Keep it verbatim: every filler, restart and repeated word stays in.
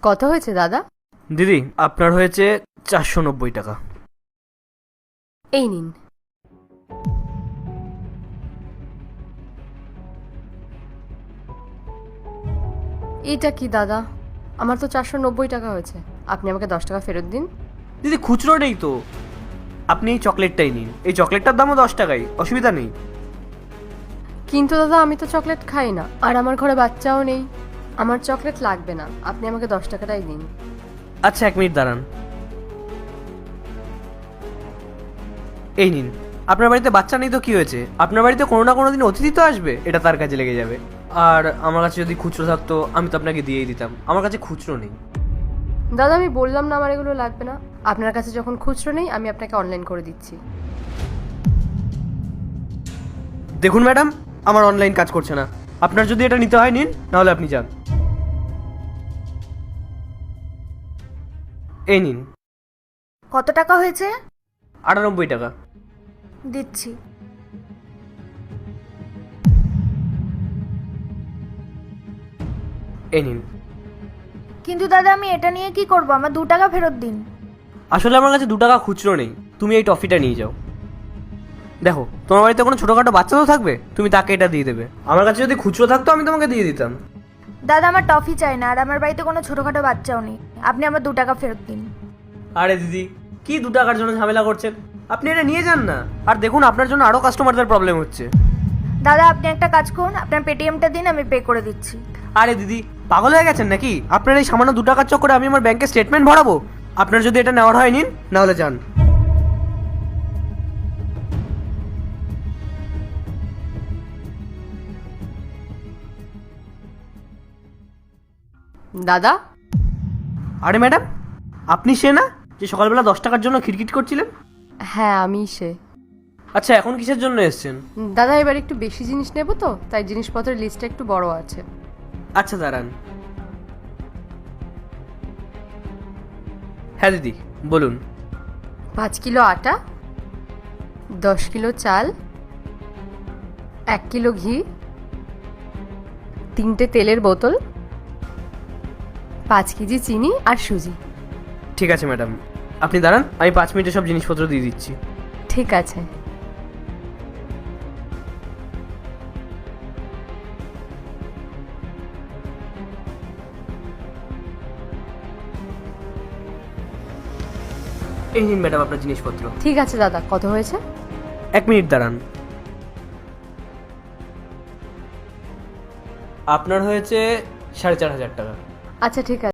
কত হয়েছে দাদা? দিদি আপনার হয়েছে চারশো নব্বই টাকা। এই নিন। এটা কি দাদা? আমার তো চারশো নব্বই টাকা হয়েছে, আপনি আমাকে দশ টাকা ফেরত দিন। দিদি খুচরো নেই তো, আপনি এই চকলেটটাই নিন, এই চকলেটটার দামও দশ টাকাই, অসুবিধা নেই। কিন্তু দাদা আমি তো চকলেট খাই না, আর আমার ঘরে বাচ্চাও নেই, আমার চকলেট লাগবে না, আপনি আমাকে দশ টাকাটাই দিন। আচ্ছা এক মিনিট দাঁড়ান, এই নিন। আপনার বাড়িতে বাচ্চা নেই তো কি হয়েছে, আপনার বাড়িতে কোনো না কোনো দিন অতিথি তো আসবে, এটা তার কাজে লেগে যাবে। আর আমার কাছে যদি খুচরো থাকতো আমি তো আপনাকে দিয়েই দিতাম, আমার কাছে খুচরো নেই। দাদা আমি বললাম না আমার এগুলো লাগবে না, আপনার কাছে যখন খুচরো নেই আমি আপনাকে অনলাইন করে দিচ্ছি। দেখুন ম্যাডাম, আমার অনলাইন কাজ করছে না, আপনার যদি এটা নিতে হয় নিন, নাহলে আপনি যান। এই নিন। কত টাকা হয়েছে? আটানব্বই টাকা। দিচ্ছি। এই নিন। কিন্তু দাদা আমি এটা নিয়ে কি করব? আমার দু টাকা ফেরত দিন। আসলে আমার কাছে দু টাকা খুচরো নেই, তুমি এই টফিটা নিয়ে যাও। দেখো তোমার বাড়িতে কোনো ছোটোখাটো বাচ্চা তো থাকবে, তুমি তাকে এটা দিয়ে দেবে, আমার কাছে যদি খুচরো থাকতো আমি তোমাকে দিয়ে দিতাম। দাদা আমার টফি চাই না, আর আমার বাড়িতে কোনো ছোটখাটো বাচ্চাও নেই, আপনি আমার দু টাকা ফেরত দিন। আরে দিদি কি দু টাকার জন্য ঝামেলা করছেন, আপনি এটা নিয়ে যান না। আর দেখুন আপনার জন্য আরও কাস্টমারদের প্রবলেম হচ্ছে। দাদা আপনি একটা কাজ করুন, আপনার পেটিএমটা দিন, আমি পে করে দিচ্ছি। আরে দিদি পাগল হয়ে গেছেন নাকি, আপনার এই সামান্য দু টাকার চক্করে আমি আমার ব্যাংকের স্টেটমেন্ট ভরাবো? আপনার যদি এটা নেওয়ার হয় নিন, নাহলে যান। দাদা আরে ম্যাডাম, আপনি সে না যে সকালবেলা দশ টাকার জন্য খিটখিট করছিলেন? হ্যাঁ আমি সে। আচ্ছা এখন কিসের জন্য এসেছেন? দাদা এবার একটু বেশি জিনিস নেব তো, তাই জিনিসপত্রের লিস্টটা একটু বড় আছে। আচ্ছা দাঁড়ান। হ্যাঁ দিদি বলুন। পাঁচ কিলো আটা, দশ কিলো চাল, এক কিলো ঘি, তিনটে তেলের বোতল, পাঁচ কেজি চিনি আর সুজি। ঠিক আছে ম্যাডাম, আপনি দাঁড়ান, আমি পাঁচ মিনিটে সব জিনিসপত্র দিয়ে দিচ্ছি। ঠিক আছে। এই নিন ম্যাডাম আপনার জিনিসপত্র। ঠিক আছে দাদা, কত হয়েছে? এক মিনিট দাঁড়ান। আপনার হয়েছে সাড়ে চার হাজার টাকা। আচ্ছা ঠিক আছে।